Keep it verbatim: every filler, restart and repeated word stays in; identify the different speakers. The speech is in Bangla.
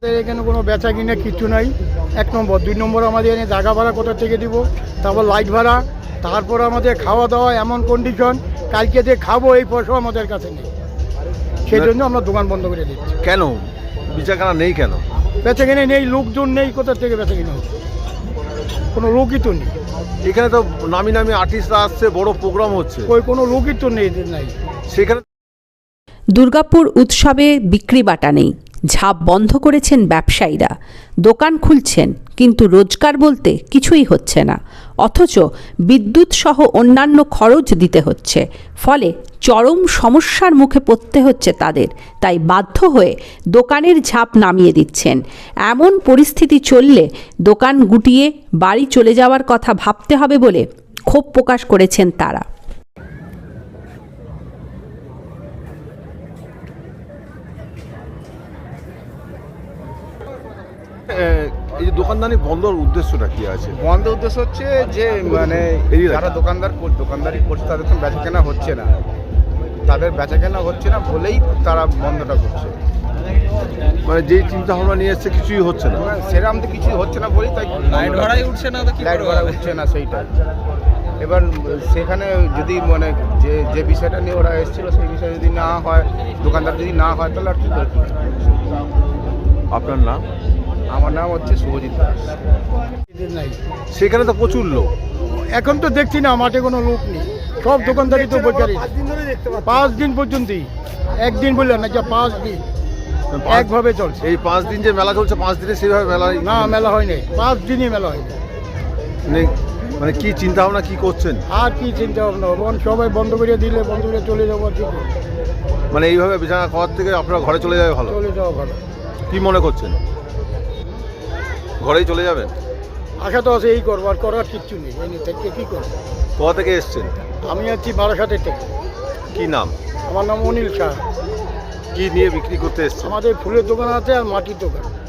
Speaker 1: এখানে কোনো বেচা কিনা কিছু নাই। এক নম্বর, দুই নম্বর আমাদের এখানে জায়গা ভাড়া কোথা থেকে দিব, তারপর লাইট ভাড়া, তারপর আমাদের খাওয়া দাওয়া এমন কন্ডিশন, কালকে যে খাবো এই পয়সাও আমাদের কাছে নেই। সেই জন্য আমরা দোকান বন্ধ করে দিচ্ছি।
Speaker 2: কেন বেচাকেনা নেই? কেন
Speaker 1: বেচা কিনে নেই? লোকজন নেই, কোথা থেকে বেচা কিনা হচ্ছে? কোনো লোকই তো নেই
Speaker 2: এখানে। তো নামি নামি আর্টিস্টরা আসছে, বড় প্রোগ্রাম হচ্ছে,
Speaker 1: ওই কোনো লোকই তো নেই নাই
Speaker 2: সেখানে।
Speaker 3: দুর্গাপুর উৎসবে বিক্রি বাটা নেই, ঝাঁপ বন্ধ করেছেন ব্যবসায়ীরা, দোকান খুলছেন কিন্তু রোজগার বলতে কিছুই হচ্ছে না, অথচ বিদ্যুৎ সহ অন্যান্য খরচ দিতে হচ্ছে, ফলে চরম সমস্যার মুখে পড়তে হচ্ছে তাদের। তাই বাধ্য হয়ে দোকানের ঝাঁপ নামিয়ে দিচ্ছেন। এমন পরিস্থিতি চললে দোকান গুটিয়ে বাড়ি চলে যাওয়ার কথা ভাবতে হবে বলে ক্ষোভ প্রকাশ করেছেন তারা।
Speaker 2: এই যে দোকানদারি বন্ধর উদ্দেশ্যটা কি আছে?
Speaker 4: বন্ধ উদ্দেশ্য হচ্ছে যে মানে যারা দোকানদার দোকানদারি করছে তাদের তো বেচা কেনা হচ্ছে না, তাদের বেচা কেনা হচ্ছে না বলেই তারা বন্ধটা করছে।
Speaker 2: মানে যেই চিন্তা ভাবনা নিয়ে এসছে কিছুই হচ্ছে না,
Speaker 4: সেরকম তো কিছুই হচ্ছে না বলেই তাই লাইট ভাড়াই উঠছে না, লাইট ভাড়া উঠছে না সেইটাই। এবার সেখানে যদি মানে যে যে বিষয়টা নিয়ে ওরা এসেছিল সেই বিষয় যদি না হয়, দোকানদার যদি না হয়, তাহলে আর কি করে?
Speaker 2: আপনার নাম?
Speaker 4: আমার নাম হচ্ছে শুভজিৎ দাস।
Speaker 1: নাই
Speaker 2: সেখানে তো প্রচুর লোক।
Speaker 1: এখন তো দেখছি না, মাঠে কোনো লোক নেই, সব দোকানদারি তো বেকারি। পাঁচ দিন পর্যন্তই, একদিন বললেন না, যা পাঁচ দিন একভাবে চলছে।
Speaker 2: এই পাঁচ দিন যে মেলা চলছে, পাঁচ দিনে সেইভাবে মেলা
Speaker 1: না, মেলা হয়নি, পাঁচ দিনই মেলা হয়নি।
Speaker 2: মানে কি চিন্তা ভাবনা কি করছেন?
Speaker 1: আর কি চিন্তা ভাবনা, সবাই বন্ধ করে দিলে বন্ধ করে চলে যাবো। ঠিক
Speaker 2: মানে এইভাবে বিছানা খাওয়ার থেকে আপনারা ঘরে চলে যাবে ভালো?
Speaker 1: চলে যাওয়া ভালো।
Speaker 2: কি মনে করছেন, ঘরেই চলে যাবেন?
Speaker 1: আশা তো আছে এই করবো, আর করার কিচ্ছু নেই। এই থেকে কী করবো?
Speaker 2: কোথা থেকে এসছেন?
Speaker 1: আমি আছি বারাসাতের থেকে।
Speaker 2: কি নাম?
Speaker 1: আমার নাম অনিল শাহ।
Speaker 2: কি নিয়ে বিক্রি করতে এসছেন?
Speaker 1: আমাদের ফুলের দোকান আছে আর মাটির দোকান।